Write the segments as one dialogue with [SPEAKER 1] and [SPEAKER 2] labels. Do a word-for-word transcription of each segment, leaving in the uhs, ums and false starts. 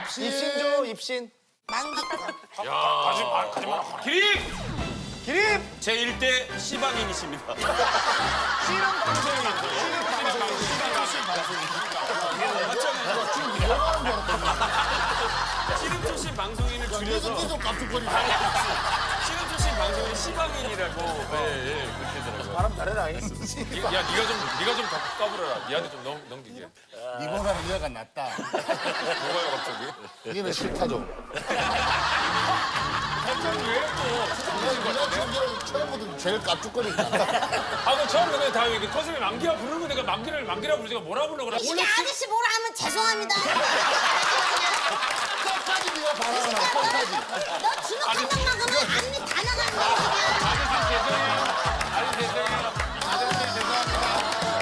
[SPEAKER 1] 입신 줘, 입신.
[SPEAKER 2] 야, 가지 마, 가지 마. 기립!
[SPEAKER 1] 기립!
[SPEAKER 2] 제일 대 시방인이십니다.
[SPEAKER 1] 씨름 방송인.
[SPEAKER 2] 씨름 출신 방송인을 줄여서
[SPEAKER 3] 계속 깜짝거리네.
[SPEAKER 2] 씨름 출신 방송인 시방인이라고. 네, 예, 그렇게 되더라고요.
[SPEAKER 1] 바람 잘해라.
[SPEAKER 2] 야, 네가 좀, 네가 좀 더 까불어라. 니한테 좀 넘, 넘기게.
[SPEAKER 3] 이보다는 얘가 낫다.
[SPEAKER 2] 뭐가요, 갑자기?
[SPEAKER 3] 이게는 싫다 좀.
[SPEAKER 2] 갑자기 왜 또?
[SPEAKER 3] 내가 처음 처음부터 제일 깜짝거린다.
[SPEAKER 2] 아, 그 처음 그냥 다 이렇게 터슴이 만기라 부르고 내가 만기를 만기라 부르니까 뭐라 불러 그래?
[SPEAKER 4] 이게 아저씨 뭐라 하면 죄송합니다.
[SPEAKER 3] 끝까지 네가 바라는 끝까지.
[SPEAKER 4] 너 주먹 한 방 막으면 앞니 다 나가는 거야 지금.
[SPEAKER 2] 아저씨 죄송해요. 아저씨 죄송해요.
[SPEAKER 3] 아저씨 죄송합니다.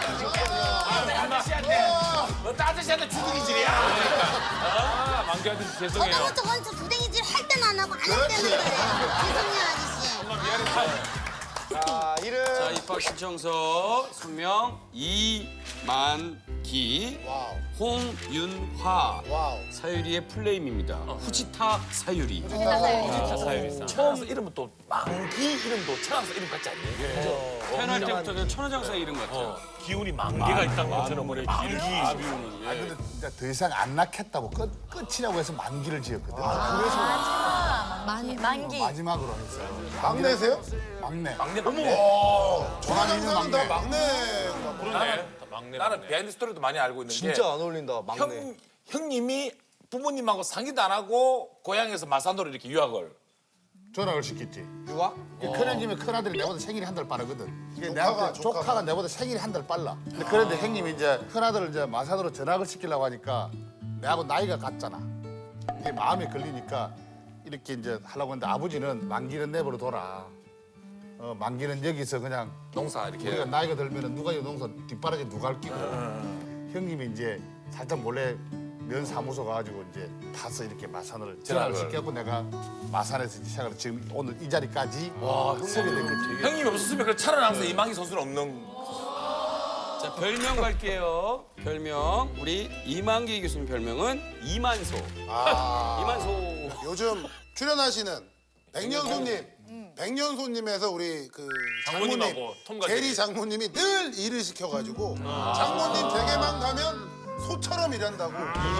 [SPEAKER 1] 너 따뜻이한테 주둥이질이야.
[SPEAKER 2] 아, 만기 아저씨 죄송해요.
[SPEAKER 4] 저도 저건 저 부댕이질 할 때는 안 하고 안 할 때는 그래요. 죄송해요 아저씨.
[SPEAKER 2] 엄마 미안해.
[SPEAKER 1] 자, 이름.
[SPEAKER 5] 자, 입학 신청서 선명 이만기,
[SPEAKER 3] 와우.
[SPEAKER 5] 홍윤화,
[SPEAKER 3] 와우.
[SPEAKER 5] 사유리의 플레임입니다. 후지타 사유리.
[SPEAKER 1] 처음 이름은 또 만기 이름도 천왕사 이름 같지 않니?
[SPEAKER 5] 태어날 때부터 그냥 천하장사 이름 같아요.
[SPEAKER 2] 기운이 만개가 있다는 것처럼 우리 만기.
[SPEAKER 3] 아 근데 진짜 더 이상 안 낳겠다고 끝 끝이라고 해서 만기를 지었거든.
[SPEAKER 4] 만 만기.
[SPEAKER 3] 마지막으로 했어요.
[SPEAKER 6] 막내세요?
[SPEAKER 3] 막내.
[SPEAKER 2] 막내 막내.
[SPEAKER 3] 전환이 있는
[SPEAKER 6] 항상 다
[SPEAKER 3] 막내.
[SPEAKER 6] 막내.
[SPEAKER 2] 그러네. 막내.
[SPEAKER 1] 나는 비하인드 스토리도 많이 알고 있는 게
[SPEAKER 6] 진짜 안 어울린다, 막내.
[SPEAKER 1] 형, 형님이 부모님하고 상의도 안 하고 고향에서 마산도로 이렇게 유학을.
[SPEAKER 3] 전학을 시켰지.
[SPEAKER 6] 유아?
[SPEAKER 3] 큰형 집에 큰아들이 내보다 생일이 한 달 빠르거든. 이게
[SPEAKER 6] 조카가,
[SPEAKER 3] 내한테
[SPEAKER 6] 조카가.
[SPEAKER 3] 조카가 내보다 생일이 한 달 빨라. 근데 그런데 형님이 이제 큰아들을 이제 마산으로 전학을 시키려고 하니까 내하고 나이가 같잖아. 이게 마음에 걸리니까 이렇게 이제 하려고 했는데 아버지는 만기는 내버려 둬라. 어, 만기는 여기서 그냥
[SPEAKER 1] 농사 이렇게.
[SPEAKER 3] 우리가 나이가 들면은 누가 이 농사 뒷바라지 누가 할 끼고 형님이 이제 살짝 몰래 면 사무소 가가지고 이제 타서 이렇게 마산을 전화를 시켜갖고 내가 마산에서 시작을 지금 오늘 이 자리까지 서게 된 거지.
[SPEAKER 1] 형님이 없었으면 그 차라리 항상 이만기 선수는 없는.
[SPEAKER 5] 자, 별명 갈게요. 별명. 우리 이만기 교수님 별명은 이만소.
[SPEAKER 6] 아.
[SPEAKER 5] 이만소.
[SPEAKER 6] 요즘 출연하시는 백년손님. 백년손님에서 우리 그 장모님,
[SPEAKER 2] 장모님하고 톰과 제리.
[SPEAKER 6] 제리 장모님이 늘 일을 시켜가지고 장모님 댁에만 가면 소처럼 일한다고.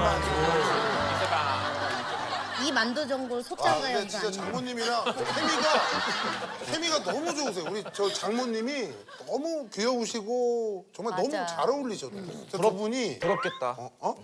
[SPEAKER 4] 이 만두 전골
[SPEAKER 6] 아,
[SPEAKER 4] 소장가
[SPEAKER 6] 근데
[SPEAKER 4] 연주
[SPEAKER 6] 진짜
[SPEAKER 4] 아니에요?
[SPEAKER 6] 장모님이랑 케미가 케미가 너무 좋으세요. 우리 저 장모님이 너무 귀여우시고 정말 너무
[SPEAKER 4] 맞아.
[SPEAKER 6] 잘 어울리셔요. 두 분이
[SPEAKER 1] 부럽겠다.
[SPEAKER 6] 어? 어?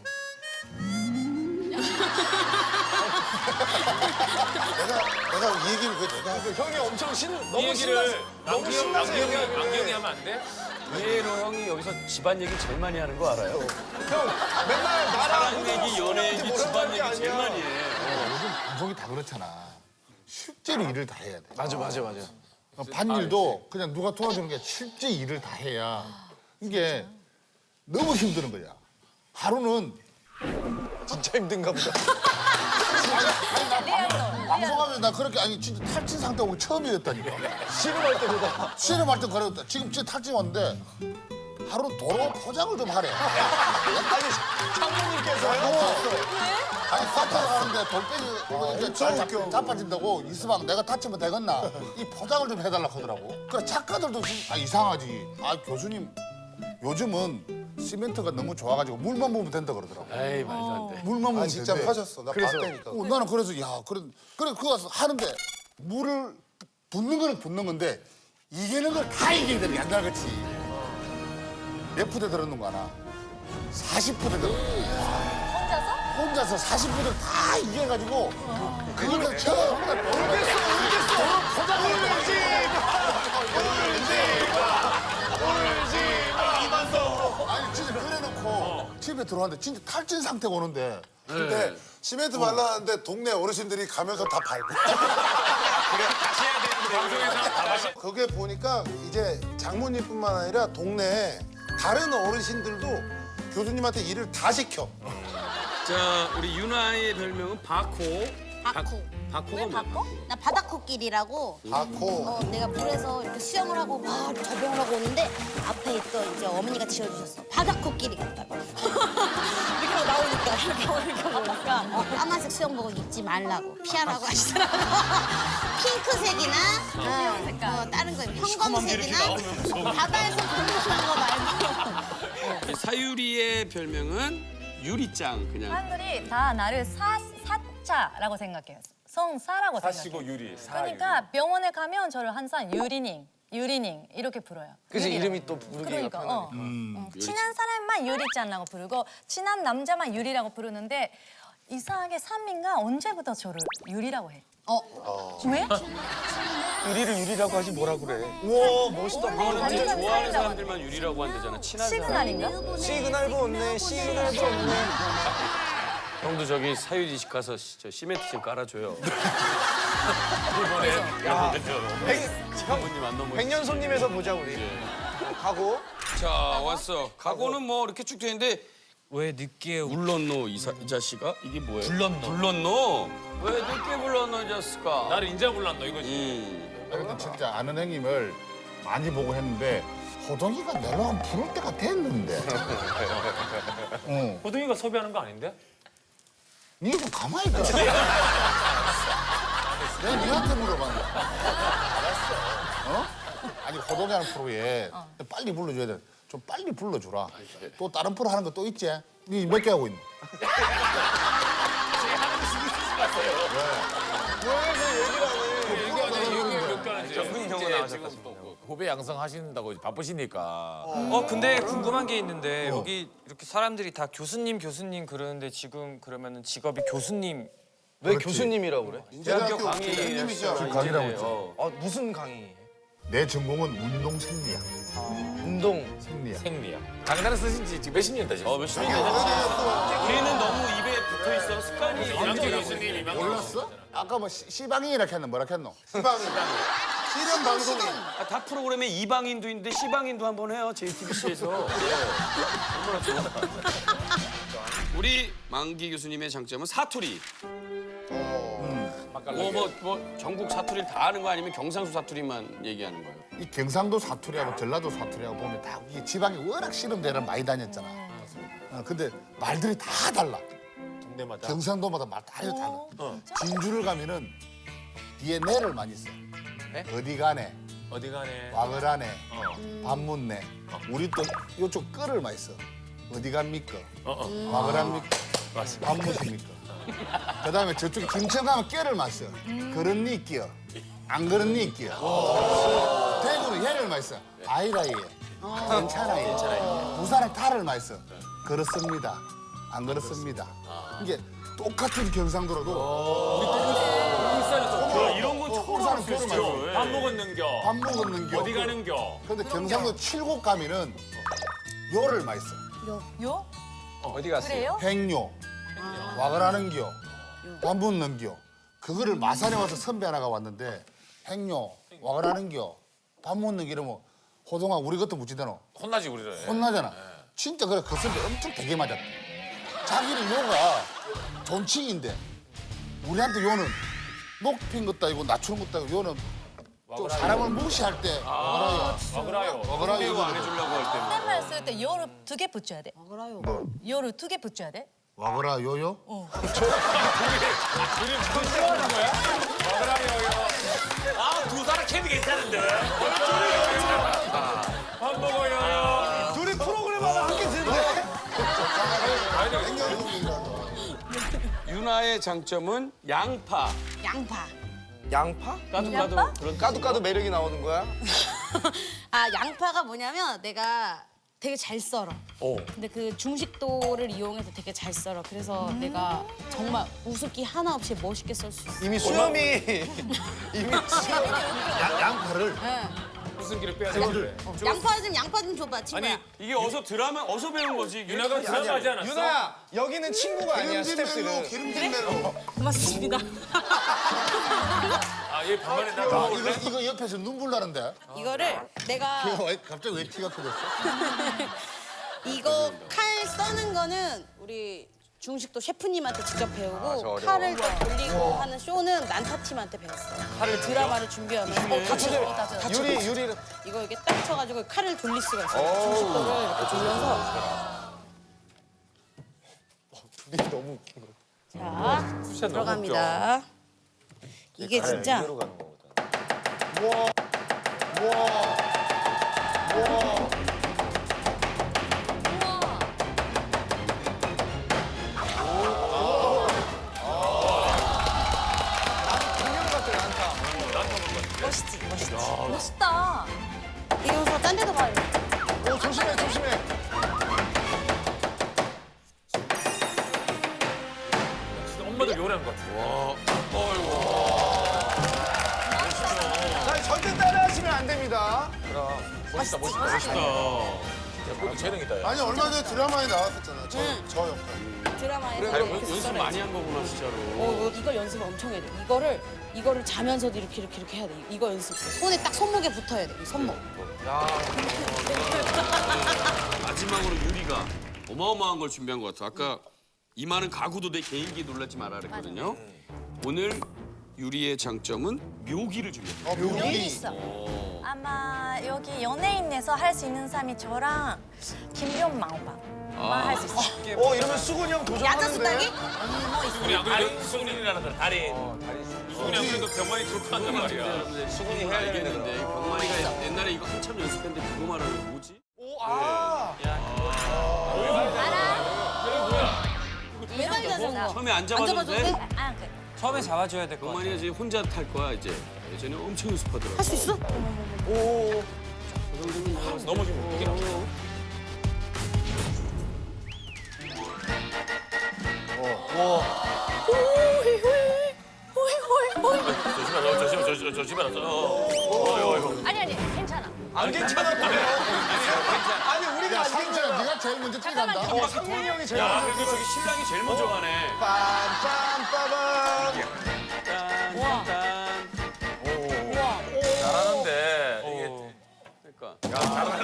[SPEAKER 6] 내가 내가 이 얘기를 왜 내가 하고
[SPEAKER 1] 형이 엄청 신,
[SPEAKER 2] 이
[SPEAKER 1] 너무
[SPEAKER 2] 얘기를
[SPEAKER 1] 신나서
[SPEAKER 2] 만기
[SPEAKER 1] 너무
[SPEAKER 2] 형,
[SPEAKER 1] 신나서
[SPEAKER 2] 만기 형이
[SPEAKER 1] 얘기하길래.
[SPEAKER 2] 만기 형이 하면 안 돼?
[SPEAKER 5] 의외로 형이 여기서 집안 얘기 제일 많이 하는 거 알아요?
[SPEAKER 1] 형 맨날 나랑
[SPEAKER 5] 사랑 얘기, 연애 얘기, 집안 얘기 제일 많이 해.
[SPEAKER 3] 요즘 방송이 다 그렇잖아. 실제로 일을 다 해야 돼.
[SPEAKER 1] 맞아 맞아 맞아.
[SPEAKER 3] 밭일도 그냥 누가 도와주는 게 실제 일을 다 해야 이게 너무 힘드는 거야. 하루는
[SPEAKER 6] 진짜 힘든가 보다.
[SPEAKER 3] 방송하면 나 그렇게 아니 진짜 탈진 상태 오고 처음이었다니까.
[SPEAKER 6] 씨름할 때보다.
[SPEAKER 3] 씨름할 때 그랬다. 지금 진짜 탈진 왔는데 하루 도로 포장을 좀 하래.
[SPEAKER 6] 아니 장모님께서요?
[SPEAKER 3] 아니 사타를 하는데 돌빼기 이거 이렇게 잘 잡-
[SPEAKER 6] 웃겨.
[SPEAKER 3] 자빠진다고 이수방 내가 다치면 되겠나? 이 포장을 좀 해달라 하더라고. 그래 작가들도 좀, 아 이상하지. 아 교수님 요즘은 시멘트가 너무 좋아가지고 물만 부으면 된다 그러더라고.
[SPEAKER 2] 에이 말도 안 돼.
[SPEAKER 3] 물만 부으면
[SPEAKER 6] 아 진짜
[SPEAKER 3] 된대.
[SPEAKER 6] 파셨어. 나
[SPEAKER 3] 그래서
[SPEAKER 6] 봤다니까.
[SPEAKER 3] 어, 나는 그래서 야 그래 그래 그거 가서 하는데 물을 붓는 거는 붓는 건데 이기는 걸 다 이겨야 되는 게 옛날 같이 몇 푸대 들었는 거 하나 사십 푸대 들었는 거 혼자서? 혼자서 사십 푸대를 다 이겨가지고 그걸 처음 울겠어 울겠어 포장을 울지 아니 진짜 끓여놓고 집에 들어왔는데 진짜 탈진 상태가 오는데
[SPEAKER 6] 근데 시멘트 발랐는데 동네 어르신들이 가면서 다 밟고.
[SPEAKER 2] 방송에서 다 다시.
[SPEAKER 6] 거기에 보니까 이제 장모님뿐만 아니라 동네 다른 어르신들도 교수님한테 일을 다 시켜.
[SPEAKER 5] 자, 우리 윤아의 별명은 바코.
[SPEAKER 4] 바쿠.
[SPEAKER 5] 바코가
[SPEAKER 4] 왜
[SPEAKER 5] 뭐야?
[SPEAKER 4] 바꿔? 나 바다코끼리라고.
[SPEAKER 6] 아코.
[SPEAKER 4] 어, 내가 물에서 이렇게 수영을 하고 막 접영을 하고 오는데 앞에 있던 이제 어머니가 지어주셨어. 바다코끼리 같다고. 이렇게 하고 나오니까 보니까 이렇게 이렇게 보니까 어, 까만색 수영복을 입지 말라고 피하라고 하시더라고요. 핑크색이나 어, 색깔. 어, 다른 거 형광색이나 바다에서 공부하는 거 말고.
[SPEAKER 7] 사유리의 별명은 유리짱 그냥.
[SPEAKER 8] 사람들이 다 나를 사, 사자라고 생각해요. 성사라고
[SPEAKER 2] 사시고
[SPEAKER 8] 생각해요.
[SPEAKER 2] 유리. 사
[SPEAKER 8] 그러니까 병원에 가면 저를 항상 유리닝, 유리닝 이렇게 부르요.
[SPEAKER 5] 그래서
[SPEAKER 8] 유리라고.
[SPEAKER 5] 이름이 또 부르기가
[SPEAKER 8] 그러니까
[SPEAKER 5] 편하네.
[SPEAKER 8] 어. 어, 친한 사람만 유리짱이라고 부르고 친한 남자만 유리라고 부르는데 이상하게 산민가 언제부터 저를 유리라고 해. 어. 왜?
[SPEAKER 5] 유리를 유리라고 하지 뭐라 그래.
[SPEAKER 7] 우와 멋있다.
[SPEAKER 8] 완전
[SPEAKER 7] 진짜 좋아하는
[SPEAKER 8] 사이다고.
[SPEAKER 7] 사람들만 유리라고 한대잖아. 친한 사람.
[SPEAKER 8] 시그널인가?
[SPEAKER 5] 시그널 없네, 시그널 없네.
[SPEAKER 7] 형도 저기 사유리 집 가서 시- 저 시멘트 좀 깔아줘요. 부모님 안 넘어.
[SPEAKER 5] 백년 손님에서 보자 우리. 가고.
[SPEAKER 7] 자 왔어. 각오는 뭐 이렇게 쭉 되는데
[SPEAKER 9] 왜 늦게 오-
[SPEAKER 7] 불렀노 이, 사, 이 자식아? 이게 뭐예요?
[SPEAKER 9] 불렀노.
[SPEAKER 7] 불렀노? 왜 늦게 불렀노 이 자식아?
[SPEAKER 2] 나를 인자 불렀노 이거지.
[SPEAKER 7] 음.
[SPEAKER 3] 근데 진짜 아는 형님을 많이 보고 했는데 호동이가 내가 한 부를 때가 됐는데. 응.
[SPEAKER 2] 호동이가 섭외하는 거 아닌데?
[SPEAKER 3] 니도 가만히 있어. 내가 니한테 물어봤는데. 알았어. 어? 아니 호동이 하는 프로에 빨리 불러줘야 돼. 좀 빨리 불러주라. 또 다른 프로 하는 거 또 있지? 니 몇 개 하고 있니?
[SPEAKER 2] 정근이 형은 나왔었다.
[SPEAKER 1] 후배 양성하신다고 바쁘시니까.
[SPEAKER 9] 어 근데 궁금한 게 있는데 여기 이렇게 사람들이 다 교수님 교수님 그러는데 지금 그러면은 직업이 교수님.
[SPEAKER 5] 왜 교수님이라고 그래?
[SPEAKER 7] 대학교 강의
[SPEAKER 6] 교수님이죠.
[SPEAKER 3] 강의라고 했지.
[SPEAKER 7] 어.
[SPEAKER 5] 아 무슨 강의?
[SPEAKER 3] 내 전공은 운동 생리학.
[SPEAKER 5] 운동.
[SPEAKER 3] 생리학.
[SPEAKER 1] 생리야. 강단을 쓰신 지 지금 몇십 년 되셨어요?
[SPEAKER 7] 어 몇십 년 되셨지. 우리는 너무 입에 붙어 있어 습관이.
[SPEAKER 2] 이만기 교수님, 이만기
[SPEAKER 3] 몰랐어? 아까 뭐 시- 시방인이라 했노? 뭐라 했노?
[SPEAKER 6] 시방인. 실현 방송인.
[SPEAKER 7] 아, 다 프로그램에 이방인도 있는데 시방인도 한번 해요 제이티비씨에서. 우리 망기 교수님의 장점은 사투리. 뭐 뭐 뭐 전국 사투리를 다 아는 거 아니면 경상도 사투리만 얘기하는 거예요?
[SPEAKER 3] 이 경상도 사투리하고 전라도 사투리하고 보면 다 이게 지방에 워낙 씨름대를 많이 다녔잖아. 어, 근데 말들이 다 달라.
[SPEAKER 2] 동네마다.
[SPEAKER 3] 경상도마다 말 다 달라. 진주를 가면은 뒤에 내를 많이 써. 어디 가네,
[SPEAKER 2] 어디 가네.
[SPEAKER 3] 와글 하네, 밥 묻네. 우리 또 이쪽 끌을 많이 써. 어디 갑니까? 와글 합니까? 밥 묻습니까? 그다음에 저쪽에 김천 가면 껴를 많이 써. 그런니 끼어, 안 그런니 끼어. 대구는 얘를 많이 써. 아이라 얘. 괜찮아 얘. 부산은 탈을 많이 써. 그렇습니다. 안 그렇습니다. 이게 똑같은 경상도라도
[SPEAKER 2] 야, 이런 건 처음
[SPEAKER 3] 부산은
[SPEAKER 2] 알았어.
[SPEAKER 3] 표를 많이 써.
[SPEAKER 2] 밥 먹었는겨.
[SPEAKER 3] 밥 먹었는겨.
[SPEAKER 2] 어디 가는겨.
[SPEAKER 3] 근데 경상도 칠곡 가면은 요를 많이 써.
[SPEAKER 8] 요?
[SPEAKER 5] 어디 갔어요?
[SPEAKER 8] 그래요?
[SPEAKER 3] 횡요, 와글 하는겨, 밥 묻는겨. 그거를 마산에 와서 선배 하나가 왔는데 횡요, 와글 하는겨, 밥 묻는겨 이러면 호동아 우리 것도 묻지대노.
[SPEAKER 1] 혼나지 우리를.
[SPEAKER 3] 혼나잖아. 진짜 그래 그 선배 엄청 되게 맞았다. 자기는 요가 존칭인데 우리한테 요는 높인 것도 아니고 낮추는 것도 아니고 요는 좀 사람을 무시할 때 와그라요.
[SPEAKER 2] 먹으라요.
[SPEAKER 3] 와그라요 이거
[SPEAKER 7] 안 해주려고 할 때는.
[SPEAKER 8] 말 쓸 때 요를 두 개 붙여야 돼.
[SPEAKER 3] 뭐
[SPEAKER 8] 요를 두 개 붙여야 돼.
[SPEAKER 3] 와그라 요요?
[SPEAKER 1] 아, 두 사람 케미 괜찮은데.
[SPEAKER 2] 밥 먹어요.
[SPEAKER 5] 둘이 프로그램 하나 함께 듣는데.
[SPEAKER 7] 유나의 장점은 양파.
[SPEAKER 4] 양파.
[SPEAKER 5] 양파?
[SPEAKER 7] 까도
[SPEAKER 8] 양파?
[SPEAKER 7] 까도 그런
[SPEAKER 5] 까도 까도 매력이 나오는 거야?
[SPEAKER 4] 아 양파가 뭐냐면 내가 되게 잘 썰어. 근데 그 중식도를 이용해서 되게 잘 썰어. 그래서 내가 정말 우습기 하나 없이 멋있게 썰 수 있어.
[SPEAKER 5] 이미 수염이 이미
[SPEAKER 3] 양, 양파를
[SPEAKER 2] 무슨 길을 빼야 되는데.
[SPEAKER 4] 양파 좀 양파 좀 줘봐 친구야.
[SPEAKER 7] 아니 이게 어서 드라마 어서 배운 거지. 이게.
[SPEAKER 2] 유나가 드라마하지 않았어?
[SPEAKER 5] 유나야 여기는 친구가 아니야
[SPEAKER 6] 기름진 멜로,
[SPEAKER 5] 스태프들은.
[SPEAKER 6] 기름진 멜로.
[SPEAKER 4] 고맙습니다.
[SPEAKER 2] 아, 얘 반말에 나
[SPEAKER 3] 아,
[SPEAKER 2] 먹을래?
[SPEAKER 3] 이거, 이거 옆에서 눈물 나는데?
[SPEAKER 4] 이거를 내가
[SPEAKER 3] 이거 왜, 갑자기 왜 티가 커졌어?
[SPEAKER 4] 이거 칼 써는 거는 우리 중식도 셰프님한테 직접 배우고 칼을 또 돌리고 하는 쇼는 난타팀한테 배웠어요. 칼을 드라마를 준비하면서 어, 다쳐요. 다쳐요.
[SPEAKER 5] 유리 유리
[SPEAKER 4] 이거 이렇게 딱 쳐가지고 칼을 돌릴 수가 있어요. 중식도를 이렇게 돌려서 자, 들어갑니다. 이게 진짜
[SPEAKER 8] 멋있지, 멋있지. 멋있다.
[SPEAKER 4] 이리 오서 딴 데도 가요.
[SPEAKER 3] 오, 조심해, 조심해.
[SPEAKER 2] 진짜 엄마도 요리한 것 같아.
[SPEAKER 6] 자, 절대 따라하시면 안 됩니다.
[SPEAKER 1] 멋있다 멋있다 멋있다. 야, 그것도 재능이다. 야.
[SPEAKER 6] 아니 얼마 전에 드라마에 나왔었잖아. 저, 저 역할.
[SPEAKER 4] 드라마에서
[SPEAKER 7] 아니,
[SPEAKER 4] 이렇게
[SPEAKER 7] 연습
[SPEAKER 4] 써내지.
[SPEAKER 7] 많이 한 거구나 진짜로.
[SPEAKER 4] 어, 이거 연습을 엄청 해야 돼. 이거를 이거를 자면서도 이렇게 이렇게 이렇게 해야 돼. 이거 연습. 손에 딱 손목에 붙어야 돼. 이 손목.
[SPEAKER 7] 마지막으로 유리가 어마어마한 걸 준비한 것 같아. 아까 이 많은 가구도 내 개인기 놀라지 마라 그랬거든요. 오늘 유리의 장점은 묘기를 준비했어요.
[SPEAKER 6] 어, 묘기.
[SPEAKER 8] 있어. 아마 여기 연예인에서 할 수 있는 사람이 저랑 김연망 오빠만 할 수 있어.
[SPEAKER 6] 어, 이러면 수근이 형
[SPEAKER 4] 야자 수다기?
[SPEAKER 2] 수근이 안 그래도 수근이라는 사람 달인. 수근이 안 그래도 병만이 좋고 한단 말이야.
[SPEAKER 7] 수근이 해야 알겠는데 병만이가 옛날에 이거 한참 연습했는데 그거 말하는 뭐지?
[SPEAKER 4] 매달 자전거.
[SPEAKER 7] 처음에 안
[SPEAKER 4] 안 잡아줘도
[SPEAKER 7] 잡아줘도
[SPEAKER 4] 돼?
[SPEAKER 7] 돼?
[SPEAKER 8] 아, 그
[SPEAKER 9] 처음에 잡아줘야 될 것 같아.
[SPEAKER 7] 병만이가 이제 혼자 탈 거야 이제. 예전에 엄청 연습하더라고.
[SPEAKER 4] 할 수 있어?
[SPEAKER 2] 넘어지면 어떻게 나와? 조심하라 조심 조심 조심하라.
[SPEAKER 8] 아니 아니 괜찮아.
[SPEAKER 6] 안 괜찮아. 아니 우리가
[SPEAKER 3] 야,
[SPEAKER 6] 안
[SPEAKER 3] 상준아,
[SPEAKER 6] 괜찮아.
[SPEAKER 3] 네가 제일 먼저 뛰어간다.
[SPEAKER 6] 상민이 형이 제일
[SPEAKER 2] 야 그래도 저기 신랑이 제일 먼저 가네.
[SPEAKER 6] 빰빰빠밤.
[SPEAKER 1] 잘하는데 이게
[SPEAKER 7] 그러니까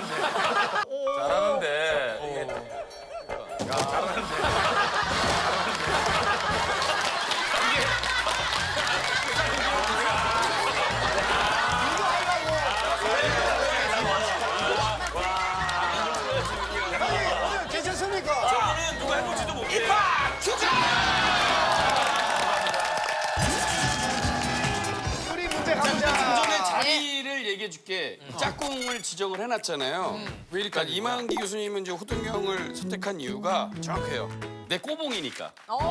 [SPEAKER 1] 잘하는데 이게
[SPEAKER 6] 괜찮습니까?
[SPEAKER 2] 저는 누가 해볼지도 모르겠네.
[SPEAKER 6] 우리 문제
[SPEAKER 7] 좀
[SPEAKER 6] 가보자.
[SPEAKER 7] 전에 자리를 얘기해 줄게. 짝꿍을 지정을 해놨잖아요. 왜 이렇게 이만기 교수님은 이제 호동이 형을 선택한 이유가 정확해요. 내 꼬봉이니까.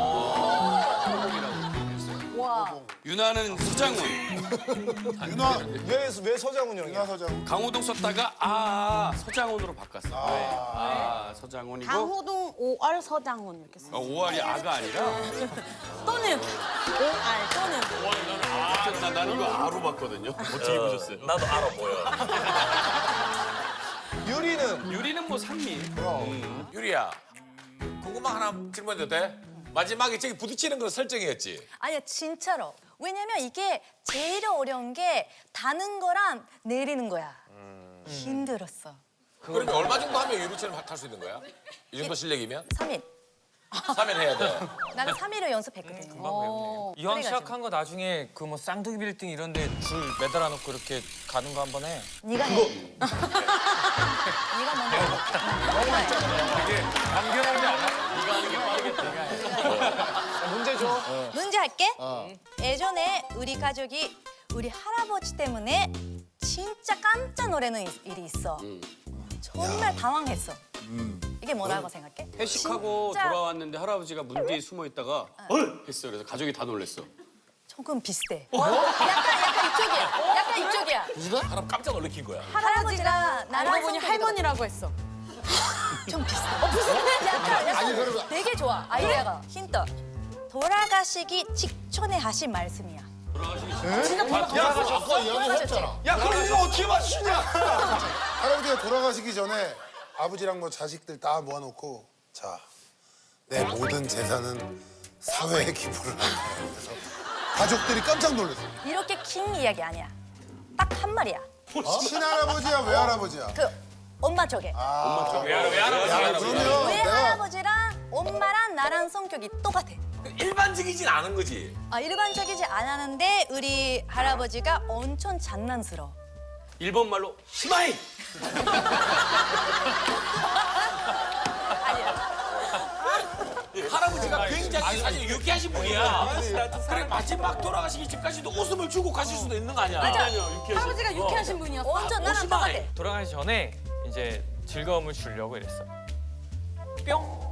[SPEAKER 8] 와.
[SPEAKER 7] 유나는 서장훈.
[SPEAKER 6] 윤아, 왜, 왜 서장훈 형이야? 윤아 서장훈.
[SPEAKER 7] 강호동 썼다가 아, 아 서장훈으로 바꿨어. 아, 서장훈이고
[SPEAKER 4] 강호동 오알 서장훈 이렇게 써.
[SPEAKER 7] 어, 오알이 아가 아니라
[SPEAKER 4] 또는 오알 또는
[SPEAKER 7] 나, 난 이거 아로 봤거든요. 어떻게 보셨어요?
[SPEAKER 1] 나도 알아 보여.
[SPEAKER 6] 유리는
[SPEAKER 7] 유리는 뭐 상미.
[SPEAKER 1] 유리야 궁금한 하나 질문해도 돼? 마지막에 저기 부딪히는 건 설정이었지.
[SPEAKER 8] 아니야 진짜로. 왜냐면 이게 제일 어려운 게 다는 거랑 내리는 거야. 힘들었어.
[SPEAKER 1] 그러면 얼마 정도 하면 유리처럼 탈 수 있는 거야? 이 정도 실력이면?
[SPEAKER 8] 삼 일.
[SPEAKER 1] 삼 일 해야 돼.
[SPEAKER 8] 나는 삼 일을 연습했거든. 어.
[SPEAKER 9] 이왕
[SPEAKER 8] 그래가지고.
[SPEAKER 9] 시작한 거 나중에 그 뭐 쌍둥이 빌딩 이런 데 줄 매달아 놓고 이렇게 가는 거 한번 해.
[SPEAKER 8] 네가 해. 네가 먼저 해. 네가 해.
[SPEAKER 2] 되게 감겨놓지 않아?
[SPEAKER 6] 문제 줘.
[SPEAKER 8] 문제 할게. 예전에 우리 가족이 우리 할아버지 때문에 진짜 깜짝 놀라는 일- 일이 있어. 정말 당황했어. 이게 뭐라고 생각해?
[SPEAKER 7] 회식하고
[SPEAKER 8] 진짜
[SPEAKER 7] 돌아왔는데 할아버지가 문 뒤에 숨어 있다가 했어. 그래서 가족이 다 놀랬어.
[SPEAKER 8] 조금 비슷해. 약간 약간 이쪽이야. 약간 이쪽이야.
[SPEAKER 1] 사람 깜짝 놀래킨 거야.
[SPEAKER 8] 할아버지가 나랑
[SPEAKER 4] 알고 보니
[SPEAKER 8] 성격이
[SPEAKER 4] 할머니라고 했어.
[SPEAKER 8] 좀 비슷해. 어, 비슷해? 약간, 약간
[SPEAKER 3] 아니, 그러면-
[SPEAKER 8] 되게 좋아. 아이디어가. 힌트. 돌아가시기 직전에 하신 말씀이야. 진짜 돌아가시기
[SPEAKER 3] 야, 아까 이야기했잖아.
[SPEAKER 6] 야, 그럼 이거 어떻게 맞추냐? 할아버지가 돌아가시기 전에 아버지랑 뭐 자식들 다 모아놓고 자, 내 모든 재산은 사회에 기부를 한다. 그래서 가족들이 깜짝 놀랐어.
[SPEAKER 8] 이렇게 긴 이야기 아니야. 딱 한 말이야.
[SPEAKER 6] 친할아버지야, 외할아버지야?
[SPEAKER 8] 그 엄마 쪽에.
[SPEAKER 6] 엄마 쪽.
[SPEAKER 2] 왜 알아 왜 알아?
[SPEAKER 6] 야, 그러면
[SPEAKER 8] 왜
[SPEAKER 6] 내가
[SPEAKER 8] 할아버지랑 엄마랑 나랑 성격이 똑같아.
[SPEAKER 1] 일반적이진 않은 거지.
[SPEAKER 8] 아, 일반적이지 않았는데 우리 할아버지가 엄청 장난스러워.
[SPEAKER 7] 일본 말로 시마이.
[SPEAKER 8] 아니야.
[SPEAKER 1] 할아버지가 자체가 굉장히 사실 유쾌하신 분이야. 그래 마지막 돌아가시기 전까지도 웃음을 주고 가실 수도 있는 거 아니야?
[SPEAKER 8] 할아버지가 유쾌하신 분이었어. 완전 나랑
[SPEAKER 1] 오시마이.
[SPEAKER 8] 똑같아.
[SPEAKER 9] 돌아가기 전에 이제 즐거움을 주려고 이랬어. 뿅.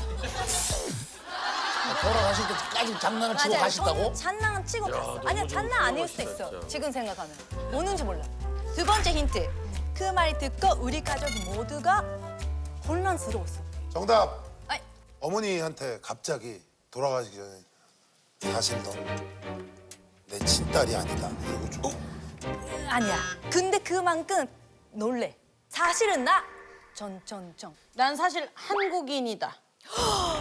[SPEAKER 3] 돌아가실 때까지 장난을 치고
[SPEAKER 8] 맞아요.
[SPEAKER 3] 가셨다고?
[SPEAKER 8] 저는 장난 치고 갔어. 아니야, 장난 아닐 수도 있어. 지금 생각하면. 오는지 몰라. 두 번째 힌트. 그 말 듣고 우리 가족 모두가 혼란스러웠어.
[SPEAKER 6] 정답.
[SPEAKER 8] 아이.
[SPEAKER 6] 어머니한테 갑자기 돌아가시기 전에 사실 너 내 친딸이 아니다. 이러고 좀.
[SPEAKER 8] 아니야. 근데 그만큼 놀래. 사실은 나 전전전.
[SPEAKER 4] 난 사실 한국인이다.